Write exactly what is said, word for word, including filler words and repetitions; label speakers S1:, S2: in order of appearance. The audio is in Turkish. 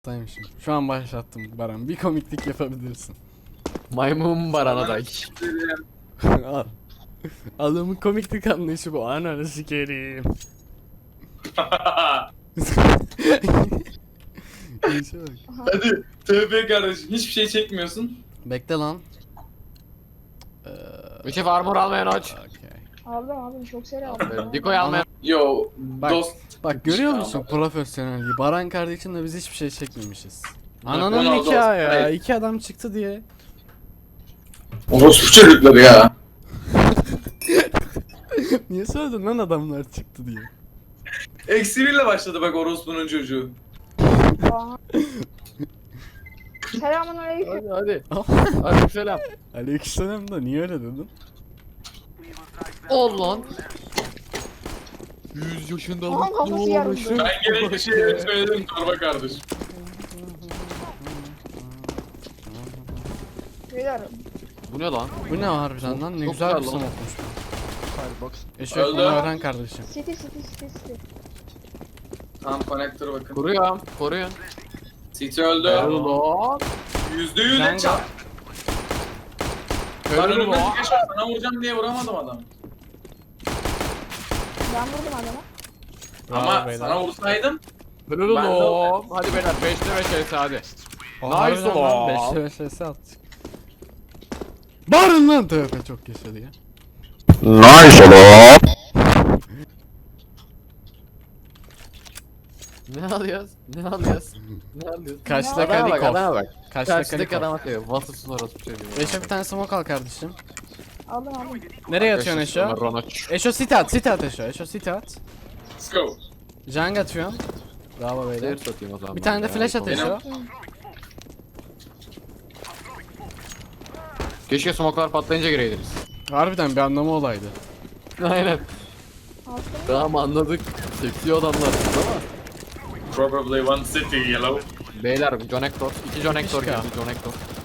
S1: Saymışım. Şu an başlattım Baran. Bir komiklik yapabilirsin.
S2: Maymun barana da.
S1: Al. Adamın komiklik anlayışı bu. Ananı sikerim. İşe bak.
S3: Hadi tövbe kardeşim, hiçbir şey çekmiyorsun.
S1: Bekle lan. Ee,
S2: Bir şey armor almayan aç.
S1: okey.
S4: Aldım aldım çok seri aldım.
S2: Diko'yu almayan.
S3: Yo
S1: Bak,
S3: dost.
S1: bak görüyor musun
S3: Almadım.
S1: profesyonelliği? Baran kardeşimle biz hiçbir şey çekmemişiz.
S3: Bak,
S1: Ananın
S3: Ronaldo
S1: nikahı ya.
S3: Hayır.
S1: İki adam çıktı diye.
S3: Orospu çocukları ya.
S1: Niye söyledin lan adamlar çıktı diye?
S3: Eksi birle başladı bak orospunun çocuğu.
S4: Aa. Selamun aleyküm.
S2: Hadi hadi. Hadi selam.
S1: Aleykümselam da niye öyle dedin?
S2: Ol lan. yüz yaşında
S4: Aman kafası yarıldı.
S3: Ben gerekli şeyleri söyledim torba kardeş.
S4: Beyler
S2: Bu ne lan?
S1: Bu ne harbiden lan? Ne
S2: Çok
S1: güzel bir
S2: güzel lan.
S1: smokmuş bu.
S2: Firebox.
S1: Eşek
S3: Öldü.
S1: bunu öğren kardeşim.
S4: city city city city.
S3: Tamam konektöre bakın.
S2: Kuruyorum. Koruyun.
S3: City öldü.
S2: Öldü lan.
S3: Yüzde yüz
S1: Sen
S3: et çap. Ben
S2: Öldü
S3: önümde
S2: lan.
S3: geçer sana vuracağım diye vuramadım adam.
S4: Ben vurdum adama.
S1: Bravo
S3: Ama
S1: beyler.
S3: sana vursaydım.
S2: Öldü
S3: Ben de-
S2: lan. Hadi beyler beşte beş ese hadi.
S1: O
S2: Nice
S1: harbiden lan,
S2: lan.
S1: beşte beş vs attık. Bağırın lan tövbe çok yaşadı ya.
S2: Ne alıyoruz? Ne alıyoruz? Ne alıyoruz?
S1: Kaçta
S2: Adama bak,
S1: Kalikov?
S2: adama bak.
S1: Kaçta
S2: Karşıdaki
S1: Kalikov?
S2: adam atıyor. Vasıfsız orası bir şey diyor.
S1: Eşo bir tane smoke al kardeşim.
S4: Aldım aldım.
S1: Nereye atıyorsun Eşo?
S2: Ronaç.
S1: Eşo sit at, sit at Eşo. Eşo sit at.
S3: Let's go.
S1: Jang atıyorsun. Bravo beyler.
S2: Zehir satayım o zaman.
S1: Bir tane de
S2: Ya,
S1: flash at
S2: Eşo.
S1: Eşo.
S2: Keşke smoke'lar patlayınca gireydiniz.
S1: Harbiden bir anlamı olaydı.
S2: Aynen.
S4: Attım.
S2: Tamam anladık. Seksi adamlar ama.
S3: Probably one city yellow.
S2: Beyler John Hector. İki John Hector
S1: Fişka.
S2: geldi John Hector.